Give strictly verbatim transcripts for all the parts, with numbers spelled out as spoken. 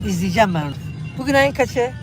İzleyeceğim ben onu. Bugün ayın kaçı? Ee,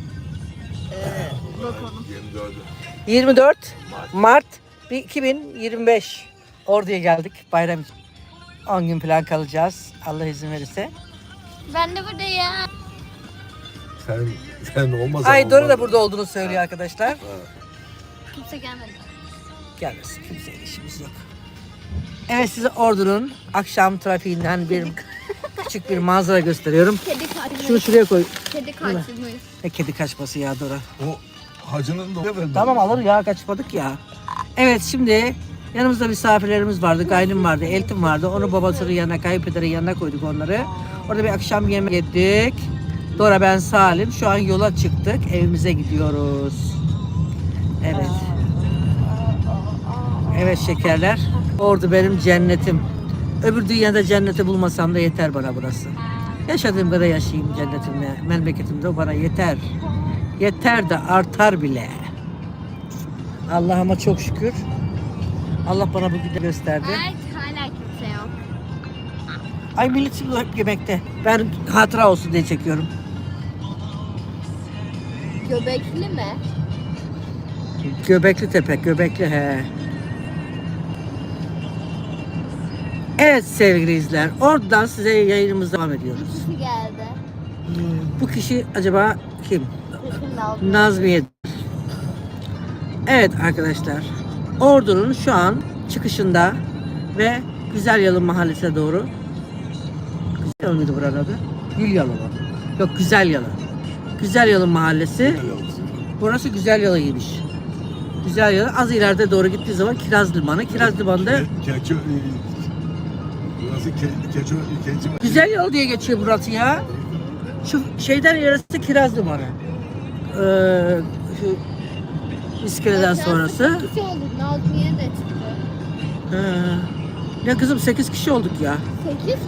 bakalım. yirmi dört Mart iki bin yirmi beş. Ordu'ya geldik bayram için. on gün falan kalacağız. Allah izin verirse. Ben de buradayım. Sen, sen olmasan Ay Dora olmaz. da burada olduğunu söylüyor arkadaşlar. Kimse gelmedi. Gelmesin, kimseyle işimiz yok. Evet, size Ordu'nun akşam trafiğinden bir küçük bir manzara gösteriyorum. Kedi kaçmış. Şunu şuraya koy. Kedi kaçmış. Ne kedi kaçması ya Dora. O hacının da verdi. Tamam alır ya, kaçmadık ya. Evet, şimdi yanımızda misafirlerimiz vardı. Gaynım vardı, Eltim vardı. Onu babasının yanına, kayınpederin yanına koyduk onları. Orada bir akşam yemek yedik. Dora, ben, Salim. Şu an yola çıktık. Evimize gidiyoruz. Evet. Evet şekerler. Ordu benim cennetim. Öbür dünyada cenneti bulmasam da yeter bana burası. Yaşadığım kadar yaşayayım cennetimle, memleketimde, o bana yeter. Yeter de artar bile. Allah'ıma çok şükür. Allah bana bugün de gösterdi. Ay hala kimse yok. Ay millet şimdi hep yemekte. Ben hatıra olsun diye çekiyorum. Göbekli mi? Göbekli Tepe, Göbekli he. Evet sevgili izler, oradan size yayınımıza devam ediyoruz. Kişi geldi. Bu kişi acaba kim? Sesini de aldım. Nazmiye. Evet arkadaşlar, Ordu'nun şu an çıkışında ve Güzelyalı mahallesine doğru. Güzel mıydı buranın adı? Gülyalı mı? Yok, Güzelyalı. Güzelyalı mahallesi. Burası Güzelyalı'ymış. Güzelyalı. Az ileride doğru gittiği zaman Kiraz Limanı. Kiraz Limanı'nda Keçi... Burası ke, keçi... Keçi... Güzelyalı diye geçiyor burası ya. Şu şeyden ilerisi Kiraz Limanı. Ee, şu iskeleden sonrası. sekiz kişi olduk. Nazmiye de çıktı. Ee, ya kızım sekiz kişi olduk ya. sekiz?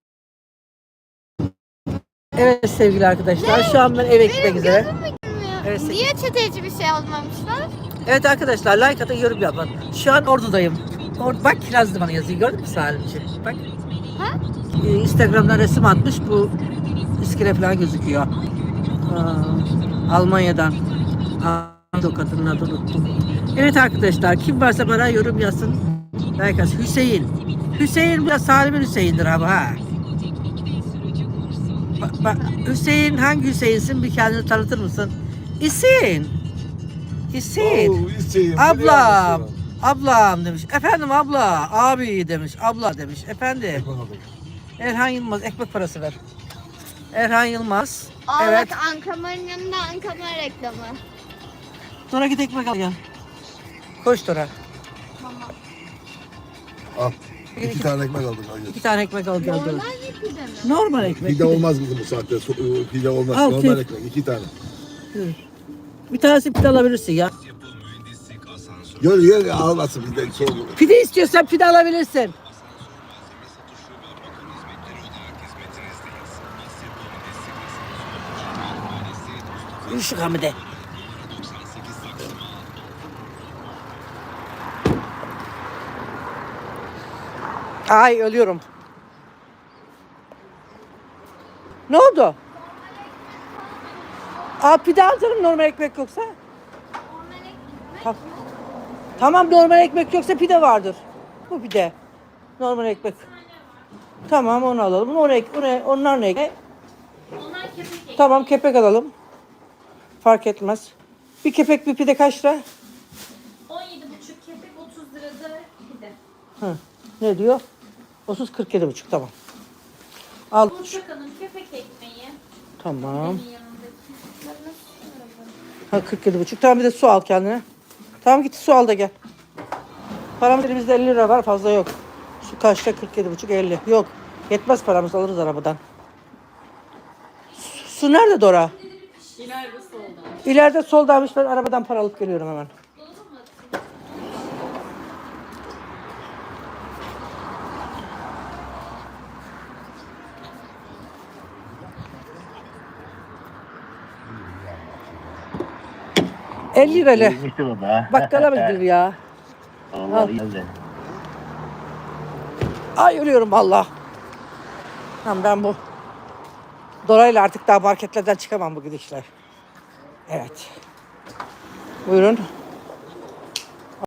Evet sevgili arkadaşlar, şu an ben eve gitmek üzere. Gözüm mü görmüyor? Evet, sekiz. Niye çeteci bir şey almamışlar? Evet arkadaşlar, like atın, yorum yapın. Şu an Ordu'dayım. Or bak Kiraz Limanı yazıyor, gördün mü Salimciğim? Bak. Ha? Ee, Instagram'dan resim atmış, bu iskele falan gözüküyor. Aa, Almanya'dan. Aa, o kadının adını unuttum. Evet arkadaşlar, kim varsa bana yorum yazsın. Like atsın. Hüseyin. Hüseyin bu da Salim'in Hüseyin'dir ama ha. Bak, bak, Hüseyin, hangi Hüseyin'sin, bir kendini tanıtır mısın? İsin. İsin. Oo, Hüseyin, Ablam. biliyor musun? Ablam demiş. Efendim abla. Abi demiş. Abla demiş. Efendi. Erhan Yılmaz, ekmek parası ver. Erhan Yılmaz. Aa Evet. bak Ankamar'ın yanında Ankamar reklamı. Dora git ekmek al gel. Koş Dora. Tamam. Al. İki tane ekmek aldım. İki tane ekmek al gel Dora. Normal bir pide mi? Normal ekmek. Pide olmaz bizim bu saatte. So- Pide olmaz. Al, Normal pide. ekmek. İki tane. Bir tanesi pide alabilirsin ya. Gör gör almasın pide. Soğuk. Pide istiyorsan pide alabilirsin. Yürü şu Hamide. Ay ölüyorum. Ne oldu? Aa pide alırım normal ekmek yoksa. Ta- tamam normal ekmek yoksa pide vardır. Bu pide. Normal ekmek. Tamam onu alalım. Onu ek, onu, onlar ne? Onlar kepek. Tamam kepek alalım. Fark etmez. Bir kepek bir pide kaç lira? on yedi buçuk kepek otuz lirada pide. Hı. Ne diyor? otuz kırk yedi buçuk tamam. Al. Portakalın kepek ekmeği. Tamam. Yanındaki. Ha kırk yedi buçuk. Tamam bir de su al kendine. Tamam git su al da gel. Paramız elimizde elli lira var, fazla yok. Su kaçta? kırk yedi buçuk elli. Yok. Yetmez paramız, alırız arabadan. Su, su nerede Dora? İleride solda. İleride soldaymış, ben arabadan para alıp geliyorum hemen. elli lirayla. Bakkala mı gidilir ya? Allah geldi. Ay ölüyorum valla. Tamam ben bu Dolaylı artık daha marketlerden çıkamam bu gidişler. Evet. Buyurun.